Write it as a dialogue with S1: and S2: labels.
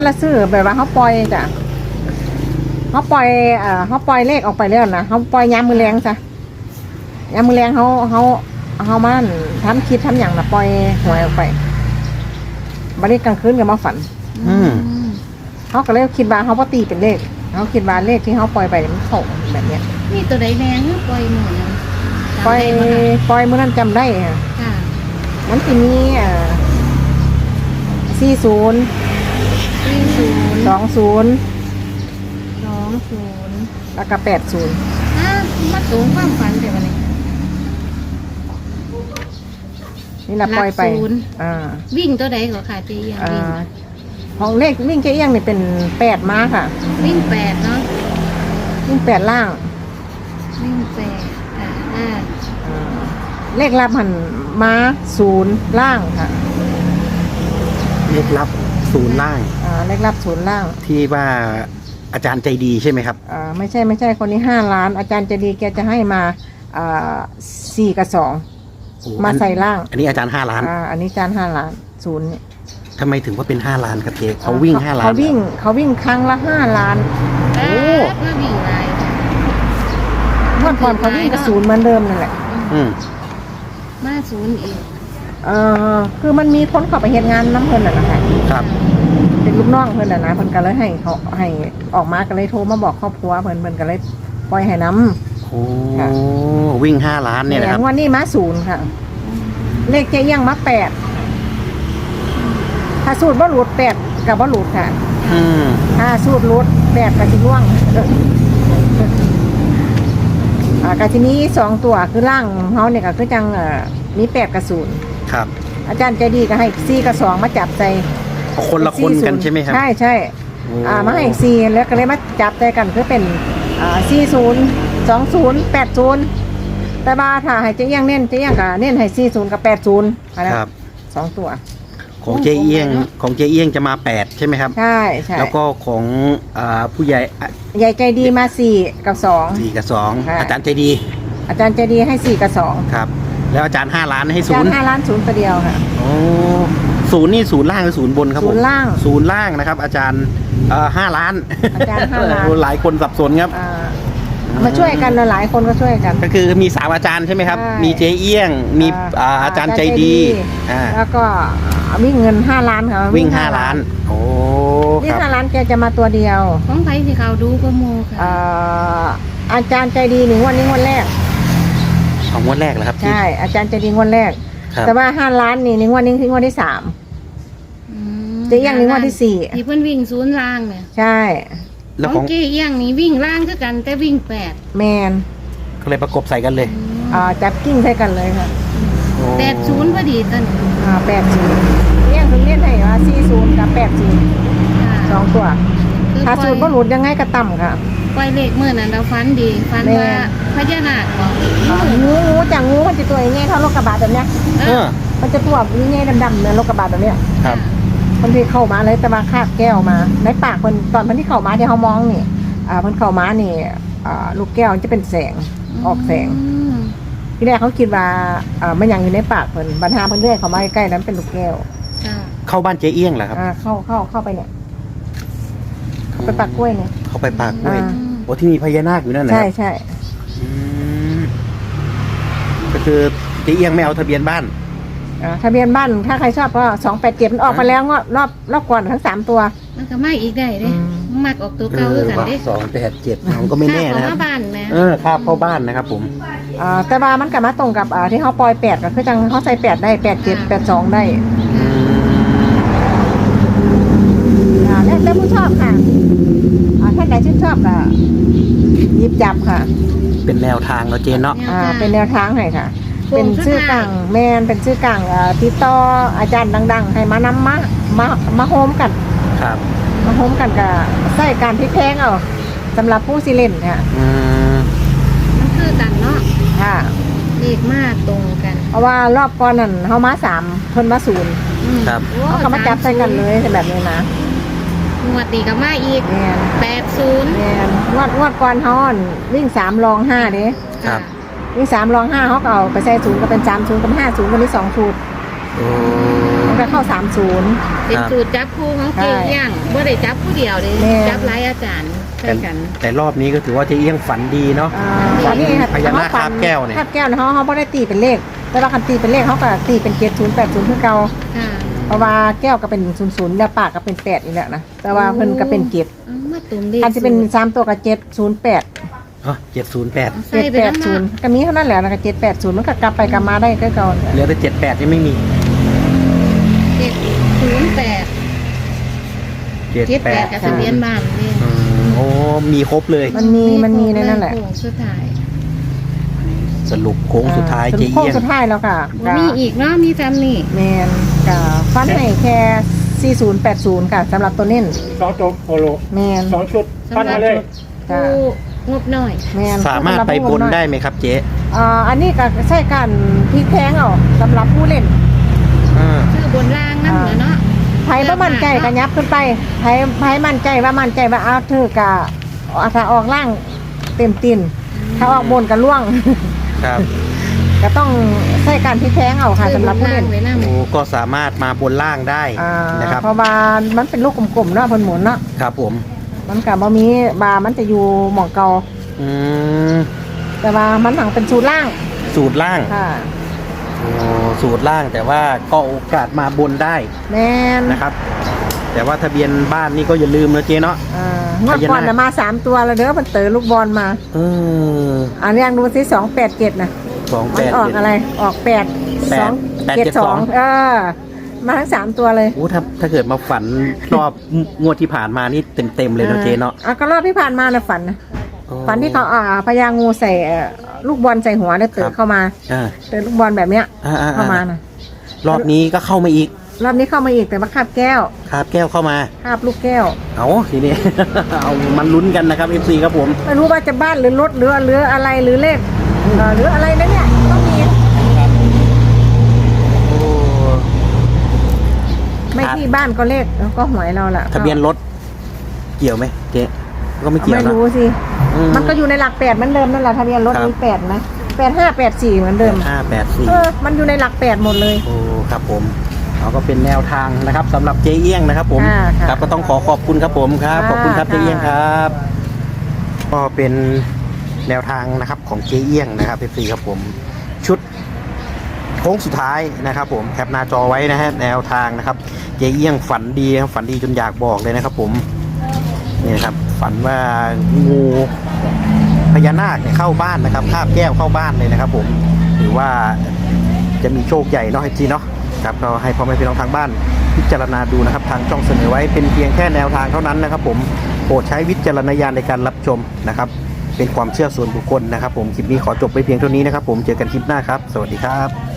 S1: ละซื้อแบบว่าเขาปล่อยจ้ะเขาปล่อยเขาปล่อยเลขออกไปแล้วนะเขาปล่อยยามมือแรงซะยามมือแรงเขามันทำคิดทำอย่างนะปล่อยหวยออกไปบัดนี้กลางคืนก็มาฝันเขาก็เลยคิดว่าเขาพอตีเป็นเลขเขาคิดว่าเลขที่เขาปล่อยไปมันเข้าแบบเนี้ย
S2: นี่ตัวใดแดงปล่อยหมูนะ
S1: ปล่อยมื่อนั้นจำได้ค่ะ
S2: ค่ะ
S1: มันทีนี้40
S2: 40
S1: 20
S2: 20
S1: แล้วก็80
S2: มาสูงความฝันแต่วันนี้
S1: นี่เราปล่อยไป
S2: วิ่งตัวใดก็ค่ะเจียงวิ่ง
S1: ของเลขวิ่งเจียงนี่เป็น8ม้าค่ะ
S2: วิ่ง8เนาะ
S1: วิ่ง8ล่าง
S2: วิ่ง8ค่ะ
S1: เลขลับหันม้า0ล่างค่ะ
S3: เลขลับ0ล่าง
S1: เลขลับ0ล่าง
S3: ที่ว่าอาจารย์ใจดีใช่ไหมครับ
S1: ไม่ใช่คนนี้5 ล้านอาจารย์ใจดีแกจะให้มา4 กับ 2มาใส่ล่าง
S3: อันนี้อาจารย์5 ล้าน
S1: อันนี้อาจารย์5 ล้าน0เนี่ย
S3: ทำไมถึงว่าเป็น5 ล้านครับเจ๊เขาวิ่ง5 ล้าน
S1: เขาวิ่งครั้งละ5 ล้าน
S2: โอ้มาวิ่งไร
S1: เมื่อก่อนเขาวิ่งกับ0เหมือนเดิมนั่นแหละ
S2: มา0อีก
S1: คือมันมีคนเข้าไปเฮ็ดงานน้ำเพิ่นน่ะนะคะ
S3: ครับ
S1: เป็นลูกน้องเพิ่นน่ะนะเพิ่นก็เลยให้เขาให้ออกมาก็เลยโทรมาบอกครอบครัวเพิ่นก็เลยปล่อยให้น้ำ
S3: โอ้วิ่ง5 ล้านเนี่ยนะครับ
S1: วันนี้มา0ค่ะเลขเจ๊ยังมา8ถ้าสูตรบ่หลุด8กับบ่หลุดค่ะถ้าสูตรหลุด8ก็สิล่วงกะทีนี้2ตัวคือล่างเฮาเนี่ยก็คือจังมี8กับ0
S3: ครับ
S1: อาจารย์ใจดีก็ให้4กับ2มาจับใจ
S3: คนละคนกันใช่ไหมครับ
S1: ใช่มาให้4แล้วก็เลยมาจับใจกันคือเป็น40 20 80แต่ว่าถ้าให้เจ๊ยังเน้นเจ๊ยังก็เน้นให้40กับ80นะครับ2ตัว
S3: ของเจ๊เอี้ยงจะมา8ใช่ไหมครับ
S1: ใช่
S3: แล้วก็ของผู้ใหญ่
S1: ใจดีมา4กับ2
S3: กับ2อาจารย์ใจดี
S1: ให้4กับ2
S3: ครับแล้วอาจารย์5 ล้านให้0
S1: อาจารย์5 ล้าน0ตัวเดียวค่ะ
S3: โอ้0นี่0ล่างหรือ0บนครับผม
S1: 0ล่าง
S3: 0ล่างนะครับอาจารย์5 ล้าน
S1: อาจารย์5 ล้าน
S3: หลายคนสับสนครับ
S1: มาช่วยกันหลายคนก็ช่วยกัน
S3: ก็คือมี3อาจารย์ใช่ไหมครับมีเจ๊เอี้ยงมีอาจารย์ใจดี
S1: แล้วก็วิ่งเงิน5 ล้านค่ะ
S3: วิ่ง5 ล้านโอ้
S1: วิ่ง5 ล้านแกจะมาตัวเดียว
S2: ของใครที่เขาดูก็โมค่ะ
S1: อาจารย์ใจดี1 วันนี้งวดแรก
S3: งวดแรกเหรอครับ
S1: ใช่อาจารย์ใจดีงวดแรกแต่ว่า5 ล้านนี่1 วันนี้คืองวดที่3เจ๊เอี้ยง1 วันที่4
S2: ที่เพิ่นวิ่ง0ล่างเนี่ย
S1: ใช่
S2: ของเจ๊เอี้ยงนี่วิ่งล่างคือกันแต่วิ่ง8
S1: แมน
S3: ก็เลยประกบใส่กันเลย
S1: จับกิ้งใส่กันเลยค่ะ
S2: 80พอดีตอน
S1: 80เอี้ยงถึงเรียนให้ว่า40กับ80 2ตัวถ้าสูตรบ่หลุดยังไงก็ต่ำค่ะ
S2: ปล่อยเลขมื้อนั้นเราฝันดีฝันว่าพญานาค
S1: งูจังงูมันจะตัวใหญ่เท่ารถกระบะแบบเนี้ยมันจะตัวใหญ่ดำๆเหมือนรถกระบะแบบเนี้ย
S3: ครับ
S1: คนที่เข้ามาเลยแต่มาคาบแก้วมาในปากคนตอนที่เข้ามาที่เขามองนี่มันเข้ามานี่ลูกแก้วจะเป็นแสงออกแสงที่แรกเขาคิดว่ามันยังอยู่ในปากเพิ่นบรรหาเพิ่นเรื่อยเข้ามาใกล้ๆนั้นเป็นลูกแก้ว
S3: เข้าบ้านเจ๊เอี้ยงเหรอครับ
S1: เข้าไปเนี่ยเข้าไปปากกล้วยเนี่ย
S3: เข้าไปปากกล้วยโอ้ที่มีพญานาคอยู่นั่นนะ
S1: ใช่
S3: ก็คือเจ๊เอี้ยงไม่เอาทะเบียนบ้าน
S1: ทะเบียนบ้านถ้าใครชอบก็287มันออกไปแล้วรอบก่อนทั้ง3ตัว
S2: มันก็ไม่อีกได้เด้มักออกตัวเก่าคือกันเด้
S3: 287น้องก็ไม่แน่นะ
S2: เข้าบ้านนะ
S3: ครับเข้าบ้านนะครับผม
S1: แต่ว่ามันก็มาตรงกับที่เขาปล่อย8ก็คือจังเขาใส่8ได้87 82ได้แล้วผู้ชอบค่ะท่านใดชื่นชอบก็หยิบจับค่ะ
S3: เป็นแนวทางเนาะเจนเนาะ
S1: เป็นแนวทางให้ค่ะเป็นชื่อกลางแมนเป็นชื่อกลางติดต่ออาจารย์ดังๆให้มานำมาโฮมกัน
S3: ครับ
S1: มาโฮมกันกับใส่การพลิกแพงเอาสำหรับผู้สิเล่นค่ะ
S2: มันคือกันเนาะ
S1: ค่ะ
S2: เลขมากตรงกัน
S1: เพราะว่ารอบก่อนนั่นเขามา3คนมา0
S3: ครับ
S1: เขาก็มาจับใส่กันเลยแบบนี้นะ
S2: งวดนี้ก็มาอีก80
S1: แมนงวดก่อนเขาวิ่ง3รอง5เด้
S3: ครับ
S1: วิ่ง3รอง5เขาก็เอาไปใส่0ก็เป็น30กับ50วันนี้2ชุดมันก็เข้า30
S2: เป็นสูตรจับคู่ของเจ๊เอี้ยงบ่ได้จับผู้เดียวเลย
S1: แม่
S2: จับหลายอาจารย์ช่วยกัน
S3: แต่รอบนี้ก็ถือว่าเจ๊เอี้ยงฝันดีเนาะ
S1: อันนี้
S3: พญานาคคาบแก้วเนี่ย
S1: คาบแก้วเขาไม่ได้ตีเป็นเลขแต่ว่าคันตีเป็นเลขเขาก็ตีเป็น7080คือเก่า
S2: ค่ะ
S1: เพราะว่าแก้วก็เป็น00แล้วปากก็เป็น8อีกแล้วนะแต่ว่าเพิ่นก็เป็น7
S2: เอามาตรงเลข
S1: อาจจะเป็น3ตัวก็708
S3: อ๋อ708
S2: ใส่ไปทั้งหน้า
S1: 780ก็มีเท่านั้นแหละแล้วก็780มันก็กลับไปกลับมาได้คือเก่า
S3: เหลือแต่78ยังไม่มี
S2: 708 78กับทะเบียนบ้านนี่
S3: โอ้มีครบเลย
S1: มันมีในนั่นแหละ
S2: โค้งสุดท้าย
S3: สรุปโค้งสุดท้ายเจ๊
S1: โค้ง
S3: เอี้ยง
S1: สุดท้ายแล้วค่ะ
S2: บ่มีอีกเนาะมีซ้ำนี่
S1: แมนกับฟันให้แค่4080ค่ะสำหรับตัวเน้น
S4: 2 ตัวโคโล
S1: แมน
S4: 2 ชุดฟันมาเลย
S1: จ้ะ
S2: ผู้งบน้อย
S1: แมน
S3: สามารถไปบนได้ไหมครับเจ๊
S1: อันนี้ก็ใช่การพลิกแพงเอาสำหรับผู้เล่น
S3: อ่า
S2: คือบนล่างนั่นเหรอเนาะ
S1: ไผว่ามั่นใจก็ยับขึ้นไปไผมั่นใจว่าเอาเธอกะถ้าออกล่างเต็มตีนถ้าออกบนก็ล่วง
S3: ครับ
S1: ก็ต้องใช้การพลิกแพงเอาค่ะสำหรับผู้เล่น
S2: ไว้นั่ง
S3: โอ้ก็สามารถมาบนล่างได้นะครับ
S1: เพราะว่ามันเป็นลูกกลมๆเนาะเพิ่นหมุนเนาะ
S3: ครับผม
S1: มันก็บ่มีบามันจะอยู่หม่องเก่า
S3: อืม
S1: แต่ว่ามันหนังเป็นสูตรล่าง
S3: สูตรล่าง
S1: ค่ะ
S3: โอ้สูตรล่างแต่ว่าก็โอกาสมาบนได้
S1: แม่น
S3: นะครับ แต่ว่าทะเบียนบ้านนี่ก็อย่าลืมนะเจ๊เนาะ
S1: งวดก่อนน่ะมา3ตัวแล้วเด้อมันเต๋อลูกบอลมา
S3: เออ
S1: อันนี้ยังดูสิ287นะ มันออกอะไรออก8 2 7 2มาทั้ง3ตัวเลย
S3: โอ้ถ้าเกิดมาฝันรอบงวดที่ผ่านมานี่เต็มเลยนะเจ๊เนาะ
S1: ก็รอบที่ผ่านมาน่ะฝันนะ
S3: อ๋อ
S1: ฝันที่เขาพญางูใส่ลูกบอลใส่หัวแล้วเต๋อเข้ามา
S3: อ่า
S1: เต๋อลูกบอลแบบเนี้ย เข้ามานะ
S3: รอบนี้ก็เข้ามาอีก
S1: รอบนี้เข้ามาอีกแต่ว่าคาบแก้ว
S3: คาบแก้วเข้ามา
S1: คาบลูกแก้ว
S3: เอาทีนี้ เอามันลุ้นกันนะครับ FC ครับผม
S1: ไม่รู้ว่าจะบ้านหรือรถหรืออะไรหรือเลขหรืออะไรนะเนี่ยต้องมี
S3: โอ้
S1: ไม่ที่บ้านก็เลขแล้วก็หวยเราแหละ
S3: ทะเบียนรถเกี่ยวไหมเจ๊ก็ไม่เกี่ยว
S1: ไม่
S3: นะ
S1: รู้สิ
S3: อื
S1: มันก็อยู่ในหลัก8เหมือนเดิมนั่นแหละทะเบียนรถ
S3: ครับ
S1: มี8ไหม8584เหมือนเดิม
S3: 584
S1: มันอยู่ในหลัก8หมดเลย
S3: โอ้ครับผมเราก็เป็นแนวทางนะครับสำหรับเจ๊เอี้ยงนะครับผม
S1: ค่ะค่ะ
S3: ครับก็ต้องขอบคุณครับผมครับ
S1: ค่ะ
S3: ขอบคุณครับ
S1: ค่ะ
S3: เจ๊เอี้ยงครับ ก็เป็นแนวทางนะครับของเจ๊เอี้ยงนะครับเอฟซีครับผมชุดโค้งสุดท้ายนะครับผมแคปหน้าจอไว้นะฮะแนวทางนะครับเจ๊เอี้ยงฝันดีครับฝันดีจนอยากบอกเลยนะครับผมนี่นะครับฝันว่างูพญานาคเนี่ยเข้าบ้านนะครับคาบแก้วเข้าบ้านเลยนะครับผมหรือว่าจะมีโชคใหญ่เนาะให้จีเนาะครับก็ให้พ่อแม่พี่น้องทางบ้านพิจารณาดูนะครับทางช่องเสนอไว้เป็นเพียงแค่แนวทางเท่านั้นนะครับผมโปรดใช้วิจารณญาณในการรับชมนะครับเป็นความเชื่อส่วนบุคคลนะครับผมคลิปนี้ขอจบไปเพียงเท่านี้นะครับผมเจอกันคลิปหน้าครับสวัสดีครับ